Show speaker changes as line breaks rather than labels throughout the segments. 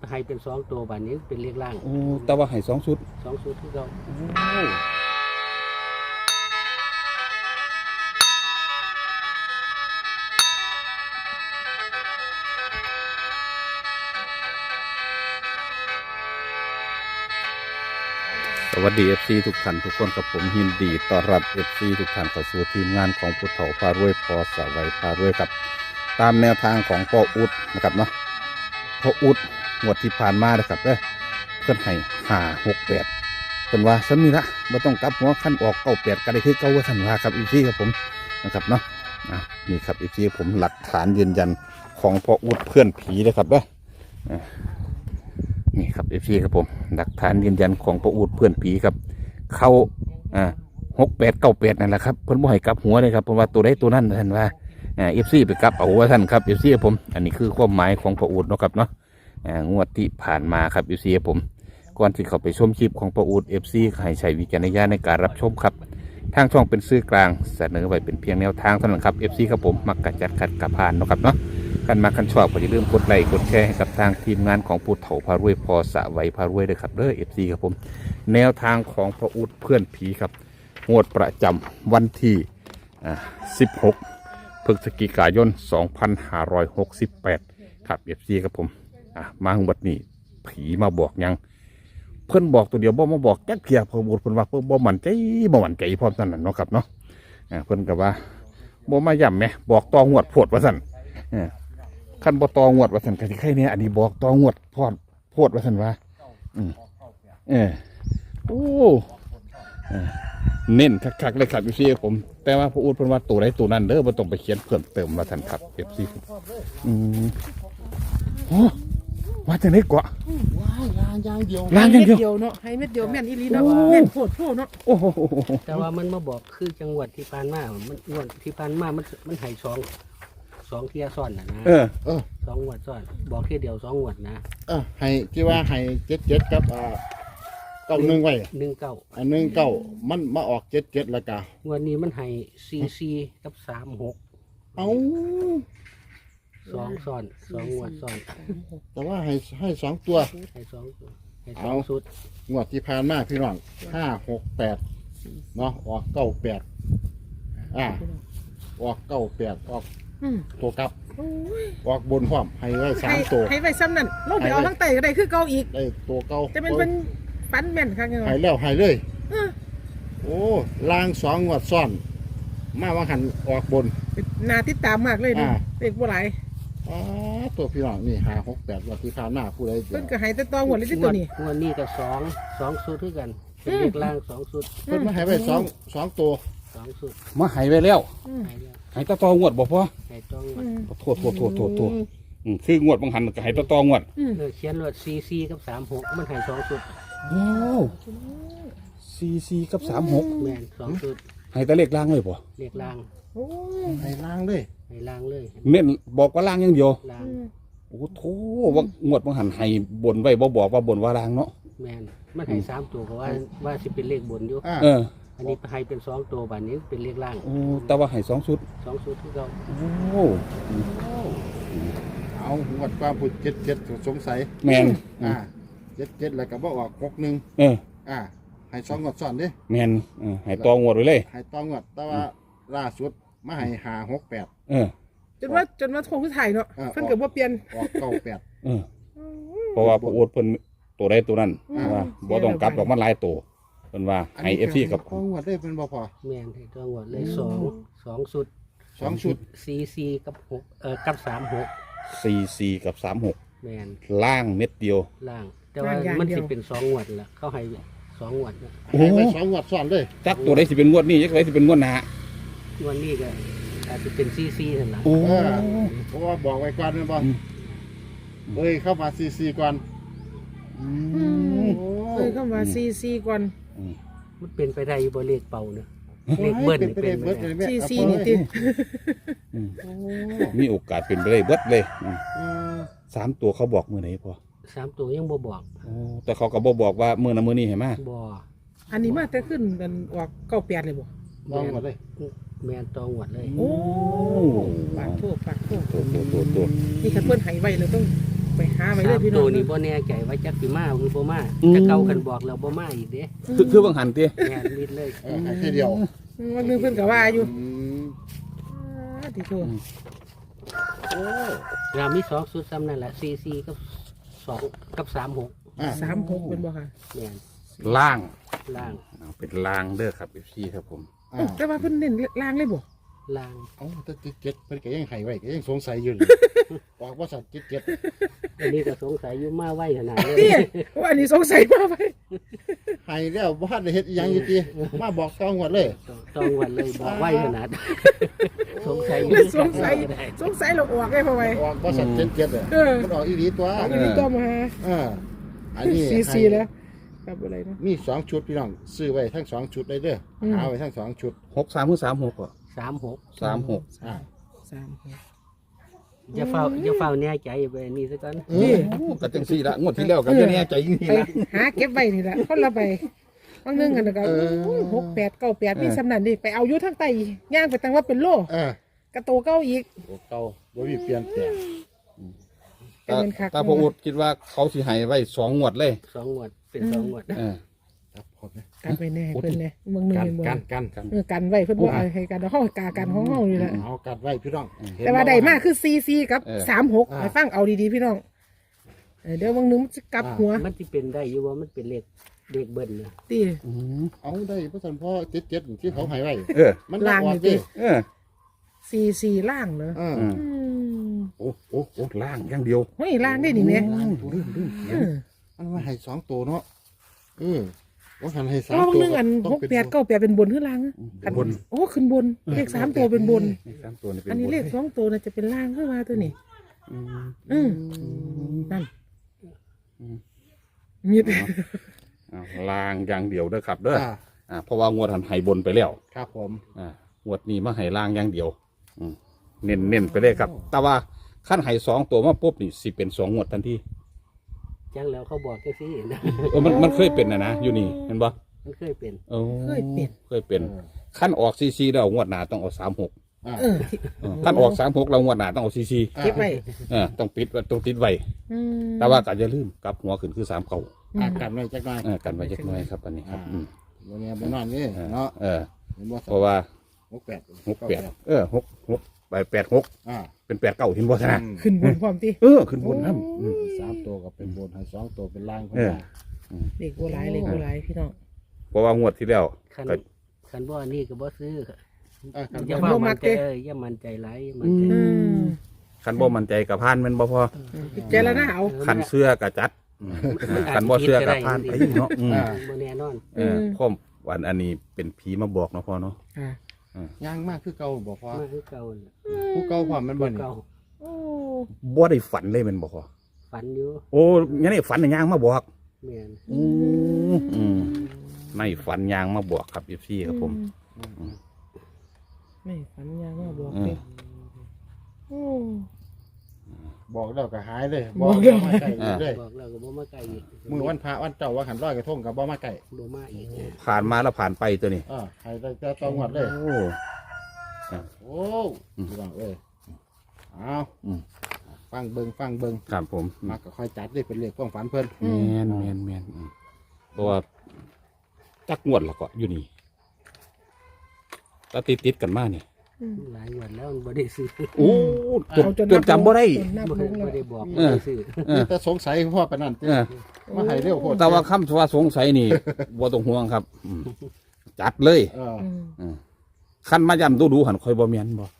ให้เป็นสองตัวบานนี้เป็นเลขล่าง
โอ้แต่ว่าให้2 ชุด
2 ชุดที่เรา
โอ้สวัสดี FC ทุกท่านทุกคนกับผมยินดีต้อนรับ FC ทุกท่านเข้าสู่ทีมงานของผู้เฒ่าพารวยพอสวัยพารวยครับตามแนวทางของพ่ออุดนะครับเนาะพ่ออุดงวดที่ผ่านมานะครับเพื่อนให้568เป็นว่าซ้ำนี่ละไม่ต้องกลับหัวขั้นออก98ก็ได้คือเก่าว่าสันว่าครับ FC ครับผมนะครับเนาะนี่ครับ FC ผมหลักฐานยืนยันของพ่ออุดเพื่อนผีนะครับนี่ครับเอฟซีครับผมหลักฐานยืนยันของพ่ออูดเพื่อนผีครับเขา6898นั่นแหละครับเพิ่นบ่ให้กลับหัวเลยครับเพราะว่าตัวใดตัวนั้นท่านว่าเอฟซีไปกลับเอาว่าท่านครับเอฟซีผมอันนี้คือความหมายของพ่ออูดเนาะครับเนาะงวดที่ผ่านมาครับเอฟซีผมก่อนที่เขาไปชมคลิปของพ่ออูดเอฟซีให้ใช้วิจารณญาณในการรับชมครับทางช่องเป็นสื่อกลางเสนอไว้เป็นเพียงแนวทางเท่านั้นครับเอฟซีครับผมมักกะจัดขัดกะผ่านเนาะครับเนาะกันมากันชอบก็อย่าลืมกดไลค์กดแชร์ให้กับทางทีมงานของผู้เฒ่าพารวยพอสะไว้พารวยด้วยครับเอฟซีครับผมแนวทางของพ่ออุดเพื่อนผีครับงวดประจำวันที่16 พฤศจิกายน 2568ครับเอฟซีครับผมมาถึงวันนี้ผีมาบอกยังเพื่อนบอกตัวเดียวบ่มาบอกแก๊กเพียพ่ออุดเพื่อนว่าเพื่อนบ่มั่นใจพร้อมนั่นเนาะครับเนาะเพื่อนกับว่าบ่มาย่ำไหมบอกตองวดโพดว่าสั่นขั้นบ่ตองวดว่าสันกะสิไข่เนี่ยอันนี้บอกตองวดพอดโพดว่าสันว่าโอ้เน้นคักๆเลยครับพี่ผมแต่ว่าพระอูดเพิ่นว่าตัวใดตัวนั้นเด้อบ่ต้องไปเขียนเพิ่มเติมว่าสันครับเอฟซีโอ้ว่าจังได๋กว่า
ว้ายลางอย่างเดียว
ลางอย่างเดียว
เนาะให้เม็ดเดียวแม่นอีหลีเนาะแม่นโพดเนาะ
โอ้โห
แต่ว่ามันมาบอกคือจังหวัดที่ผ่านมามันงวดที่ผ่านมามันให้2 เที่ยซ้อนนะ2 งวดซ้อนบอกแค่เดียว2 งวดนะ
ให้ที่ว่าให้77กับ91ไว้
19
19มันมาออก77แล้วก็
งวดนี้มันให้44กับ36
เอ้า
2 ซ้อน2 งวดซ้อน
แต่ว่าให้2ตัว
ให้2ชุด
งวดที่ผ่านมาพี่น้อง568เนาะออก98ออก98ออกตัวกลับออกบนพร้อมให้ไว้3ตัว
ให้ไว้ซ้ำนั่นลงไปเอาทั้งไตก็ได้คือเก่าอีก
ได้ตัวเก่า
จะเป็นฟันแม่นครับ
ให้แล้วให้เลยโอ้ลาง2 งวดซ้อนมาว่าหันออกบน
นาติดตามมากเลยนี่เด็กบ่หลาย
ตัวพี่น้องนี่568วันที่ผ่านมาผู้ใด
เพิ่นก็ให้แต่ตองวดเลยที่ตัวนี้
งวดนี้ก็2 ชุดคือกันเป็นเลขล่าง2 ชุด
เพิ่นมาให้ไว้2ตัว
2 ชุด
มาให้ไว้แล้วให้ตะตองวดบ่พอ
ให้ตองวด
โทษคืองวดบางหันก็ให้ตะตองวด
เขียนว่า44กับ36มันให้2 ชุด
โอ้44กับ36
แม่น2 ชุด
ให้แต่เลขล่างเลยบ่
เลขล่าง
โอ้ให้ล่างเลย
เน้นบอกว่าล่างอย่างเดียว
ล่าง
โอ้โธ่ว่างวดบางหันให้บนไว้บ่บอกว่าบนว่าล่างเนาะ
แม่นมันให้3 ตัวก็ว่าสิเป็นเลขบนอยู่อันนี้ให้เป็น2 ตัวบานนี้เป็นเลขล่าง
โอ้แต่ว่าให้2 ชุด
2 ชุดที่เรา
โอ้
เอางวดความพูด77สงสัย
แม่น
77แล้วก็บ่ออก61ให้2 งวดซ้อนดิ
แม่นให้ตองวดไว้เลย
ให้ตองวดแต่ว่าล่าสุดมาให้568
จนว่าโทรคือถ่ายเนาะเพิ่นก็บ่เปลี่ยน
ออก98
เพราะว่าพระโอษฐ์เพิ่นตัวใดตัวนั้นว่าบ่ต้องกลับดอกมันหลายตัวเพิ่นว่าให้ FC กับ
ตองวดได้เป็นบ่พอ
แม่นให้ตองวดเลย2 ชุด
2 ชุด
44กับ6กับ36
44กับ36
แม่น
ล่างเม็ดเดียว
ล่างแต่ว่ามันสิเป็น2 งวดล่ะเขาให้2 งวดนะ
ให้ไป2 งวดซ้อนเลย
จักตัวใดสิเป็นงวดนี้จักตัวใดสิเป็นงวดหน้า
วันนี้ก็อาจจะเป็น44นั่นล่ะ
เพราะว่าบอกไว้ก่อนนะบ่เข้ามา44ก่อน
เข้ามา44ก่อน
มันเป็นไปได้อยู่บ่เลขเป่าเนาะเลขเบิ้ลนี่เป็น
44นี่ติ
มีโอกาสเป็นไปได้เบิดเลย3 ตัวเขาบอกมื้อไหนพอ
3 ตัวยังบ่บอก
แต่เขาก็บ่บอกว่ามื้อนั้นมื้อนี้ให้มา
บ่
อันนี้มาแต่ขึ้นกันออก98เลยบ่
ตองหมดเลย
แม่นตองหมดเลย
โอ้ปากโทษนี่คันเพิ่นให้ไว้เลยต้องไปหาไปเลยพี่น้
ตั
อ
ว
ง
นี้บ่แน่ใจว่าจักสิมาหรือบ่มาจะเก่ากันบอกแล้วบ่มาอีกเด้
คือบางหันติ
แม่นมิดเลย
ให้แค่เดียว
วันหนึงเพิ่นก็ว่าอยู่
ม
ติโทษ
โอ้
เรามี2ชุดซ้ำนั่นแหละ44กับ2กับ36
อ่า
36เป็นบ่ค่ะ
แม่น
ล่าง
ล่าง
เอาเป็นล่างเด้อครับ FC ครับผม
อ่า
แต่ว่าเพิ่นเน้นล่างเลยบ่
ล่าง
เอ้าแต่เจ็ดเพิ่นก็ยังให้ไว้ก็ยังสงสัยอยู่เลยออกว่าสัตว์เจ็ด
อันนี้ก็สงสัยอยู่มาไว้ขนาดนี้
นี่ว่าอันนี้สงสัยมากไป
ให้แล้วบ่ทันได้เฮ็ดอีหยังอยู่ติมาบอกตองหมดเลย
ต้องวันเลยบอกไว้ขนาด สงสัยอยู่
สงสัยเราออกได้พอไป
ออกว่าสัตว์เจ็ดอ่ะ
เออ
มันออกอีหลีตัว
อันนี้ต้มมา
อันนี้
ซีแล้วกับอะไรนะ
มี2ชุดพี่น้องซื้อไว้ทั้ง2ชุดเลยเด้อหาไว้ทั้ง2ชุด
63คือ36อ่ะ
36
36
อ่า
อย่าเฝ้าแน่ใจไปนี่ซะก่อน
นี่
ก็จังซี่ละงวดที่แล้วก็จะแน่ใจจริง
ไป
ๆนะ
หาเก็บไว้นี่แหละคนละใบบางนึงกันก็68 98มีสำนันดิไปเอาอยู่ทางใต้ย่างไปตั้งว่าเป็นโล กระโตเก้าอีก
โอ้เก่าบ่มีเปลี่ยนแปลง
เป็นเงินคัก
ตาพออุดคิดว่าเขาสิให้ไว้2งวดเลย
2 งวดเป็น2 งวด
ครับผมนะ
กันไปแน่เพิ่นแน่เมืองนึง
กัน
เป็นบ่
กัน
กันไว้เพิ่นบ่เอาให้กันเฮากากันของเฮานี่แหละ
เอากัดไว้พี่น้อง
แต่ว่าได้มากคือ44กับ36ให้ฟังเอาดีๆพี่น้องเดี๋ยวบางนึงมันจะกลับหัว
มันสิเป็นได้อยู่ว่ามันเป็นเลขเบิ้ลนะ
ติ
เอาได้เพราะสันพ่อเจ็ดที่เขาให้ไว้ มัน
ล่าง
ออก
นี่
ดิ
ติ44ล่างเหรอ
อ่า
โอ้ล่างอย่างเดียว
เฮ้ยล่างได้นี่แม่
มันมาให้2ตัวเนาะว่าหันให้
แล้ว
3
บาง
ตัว
นึงอัน
ต้องเป็น
68 98เป็นบนหรือล่างบนโอ้ขึ้นบนเลข3ตัวเป็นบน
3ตัวนี่เป็น
อันนี้เลข2ตัวน่ะจะเป็นล่างขึ้นมาตัวนี้นั่นมีด
ล่างอย่างเดียวเด้อครับเด้อ
อ่า
เพราะว่างวดหันให้บนไปแล้ว
ครับผม
งวดนี้มาให้ล่างอย่างเดียวเน้นไปเลยครับ แต่ว่าขั้นให้2ตัวมาปุ๊บนี่สิเป็น2งวดทันที
จังแล้วเขาบอกแค่ซี่นะ
มันเคยเป็นนะอยู่นี่เห็นปะ
มันเคยเป็น
เคยเป็นขั้นออกซีแล้วงวดหน้าต้องเอา36
อ่า
ขั้นออก36แล้วงวดหน้าต้องเอาซี
เก็บไว้
ต้องปิดไว้ต้องติดไว้แต่ว่าก็อย่าลืมกลับหัวขึ้นคือ3เก่า
กันไว้จักหน่อย
กันไว้จักหน่อยครับอันนี้ครับ
วันนี้บ่นอนนี่เนาะ
เพราะว่า
68
686ไป86
อ่า
เป็น8เก่าเห็นบ่ซะนะ
ขึ้นบนพร้อมติ
ขึ้นบนน้ำ
3ตัวก็เป็นบนให้2ตัวเป็นล่างคนละ
เลขโบราณพี่น้อง
เพราะว่างวดที่แล้ว
คันบ่อันนี้ก็บ่ซื้อ
ครับ
อย่าว่ามันใจอย่ามันใจร้ายอย่ามันใจ
คันบ่มั่นใจกับพานแมันบ่พอ
เจรนาเอา
คันเสื้อกับจัดคันบ่เสื้อกับพานไปเนาะ
บ่แน่นอน
พ่อมวันอันนี้เป็นผีมาบอกเนาะพ่อเนาะ
ย่างมากคือเก่าบ่พอ
มาคือเก่าน่ะ
ผู้เก่าความมันบ่นี่
เก่า
บ่ได้ฝันเลยแมันบ่พอ
ฝันอยู่
โอ้ยังนี่ฝันย่างมาบอก
แม่น
ในฝันย่างมาบอกครับFCครับผม
ไม่ฝันยาว่าบอกเลย
บอกแล้วก็หายเลยบอกแล้วมาไก่เลย
บอกแล้วก็บ่มาไกลอีก
มือวันพระวันเจ้าว่าหันร้อยกระทงกับบ่มาไก่
บ่มาอีก
ผ่านมาแล้วผ่านไปตัวนี้
ให้ได้แต่ต้องหมดเลย
โอ้
โอ้พี่น้องเอ้ยเอาฟังเบิ่ง
ครับผม
มาก็ค่อยจัดเลยเป็นเลขความฝันเพิ่น
แม่นเพราะว่าจักงวดแล้วก็อยู่นี่ถ้าติดกันมาเนี่ย
หลายวันแล้วบ่ได้ซื้อ
โอ้จนจำบ่ได้
นับ
บ่
ลงแล้ว
ได้บอกบ่ได้ซื้อ
แต่สงสัยพ่อปานนั้นมาให้เร็วโพด
แต่ว่าคำว่าสงสัยนี่ บ่ต้องห่วงครับจัดเลยขั้นมาย้ำดูหันคอยบ่แม่นบ่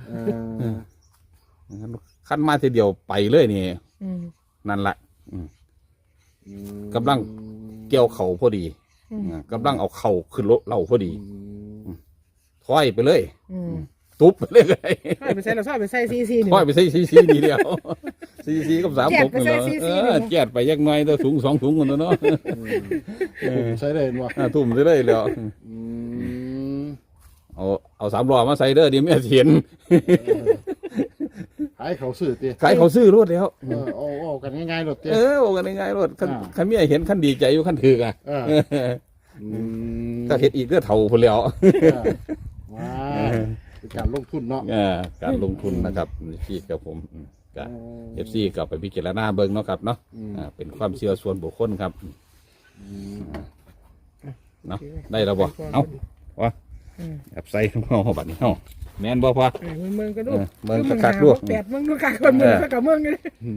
ขั้นมาทีเดียวไปเลยนี่นั่นแหละกำลังเกี่ยวเข่าพอดีกำลังเอาเข่าขึ้นรถเราพอดีถอยไปเลยตุ๊บไปเลย
ซอยไปใส่เราซอยไปใส่ซีนี่
ถอยไปใส่ซีดีเดียวซีกับ36นี่เหรอแจดไปยักหน่อยแต่สูง2ถุงคนเนาะ
ใช่เลยบ่
ทุ่มไปเลยแล้วเอา3ล้อมาใส่เด้อเดี๋ยวแม่เห็น
ขายเขาซื้อติ
ขายเขาซื้อรถแล้ว
โอ้กันง่ายๆรถติ
โอ้กันง่ายๆรถคันเมียเห็นคันดีใจอยู่คันถือกอ่ะก็เฮ็ดอีกเด้อเท่าพุ่นแล้ว
ว้าการลงทุนเนาะ
การลงทุนนะครับพี่กับผมก็FC ก็ไปพิจารณาเบิ่งเนาะครับเนาะเป็นความเชื่อส่วนบุคคลครับเนาะได้แล้วบ่เอ้าวะแบบใส่ของเฮาบัดนี้เฮาแม่นบ่พอ
เมืองก็ดู
เมืองคักๆดู
แปดเมืองดูคักคนเมืองก็กับเมืองเลย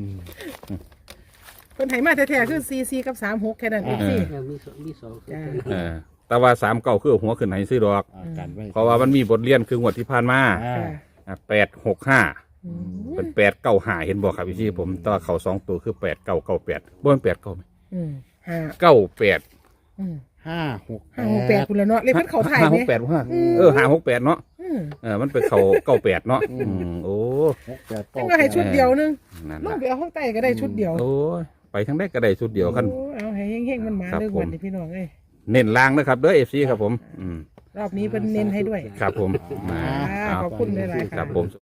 คนไทยมาแท้ๆคือ44กับ36แค่นั้นเองสิ
มีสอง
จ้า
แต่ว่า3-9คือหัวขึ้นให้ซื้อดอก
กันไว้
เพราะว่ามันมีบทเรียนคืองวดที่ผ่านมา 865เป็น895เห็นบ่ครับพี่ผมแตัวาเขา2ตัวคือ8998บ่แม่น89
5
98
568
คุณละเนาะเลยเพิ่นเขาถ่ายไหม
568ว่า568เนาะมันเป็นเขา98เนาะโอ้
68
จังก็ให้ชุดเดียวนึง
นั่น
ลง
น่ะ
ไปเอาข้างใต้ก็ได้ชุดเดียว
โอ้ยไปทั้งได้ก็ได้ชุดเดียวคัน
โอ้เอาให้เฮงๆมันมา
ครับ
เรื่อง
ผม
วันนี้พี่น้องเอ้ย
เน้นล่างนะครับเด้อ FC ครับผม
รอบนี้เป็นเน้นให้ด้วย
ครับผม
ขอบคุณหลายๆ
ครับ
ค่ะ
ผม